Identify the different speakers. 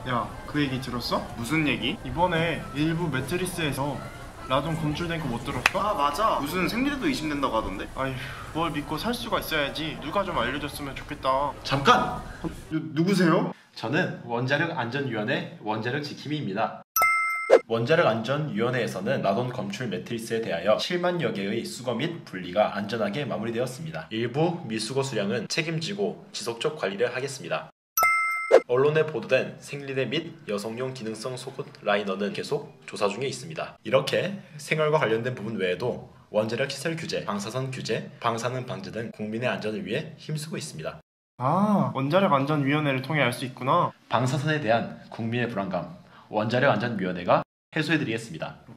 Speaker 1: 야, 그 얘기 들었어?
Speaker 2: 무슨 얘기?
Speaker 1: 이번에 일부 매트리스에서 라돈 검출된 거 못 들었어?
Speaker 2: 아 맞아, 무슨 생리대도 의심된다고 하던데?
Speaker 1: 아휴, 뭘 믿고 살 수가 있어야지. 누가 좀 알려줬으면 좋겠다.
Speaker 3: 잠깐!
Speaker 1: 누구세요?
Speaker 3: 저는 원자력안전위원회 원자력지킴이입니다. 원자력안전위원회에서는 라돈 검출 매트리스에 대하여 7만여 개의 수거 및 분리가 안전하게 마무리되었습니다. 일부 미수거 수량은 책임지고 지속적 관리를 하겠습니다. 언론에 보도된 생리대 및 여성용 기능성 속옷 라이너는 계속 조사 중에 있습니다. 이렇게 생활과 관련된 부분 외에도 원자력 시설 규제, 방사선 규제, 방사능 방제 등 국민의 안전을 위해 힘쓰고 있습니다.
Speaker 1: 아, 원자력안전위원회를 통해 알 수 있구나.
Speaker 3: 방사선에 대한 국민의 불안감, 원자력안전위원회가 해소해드리겠습니다.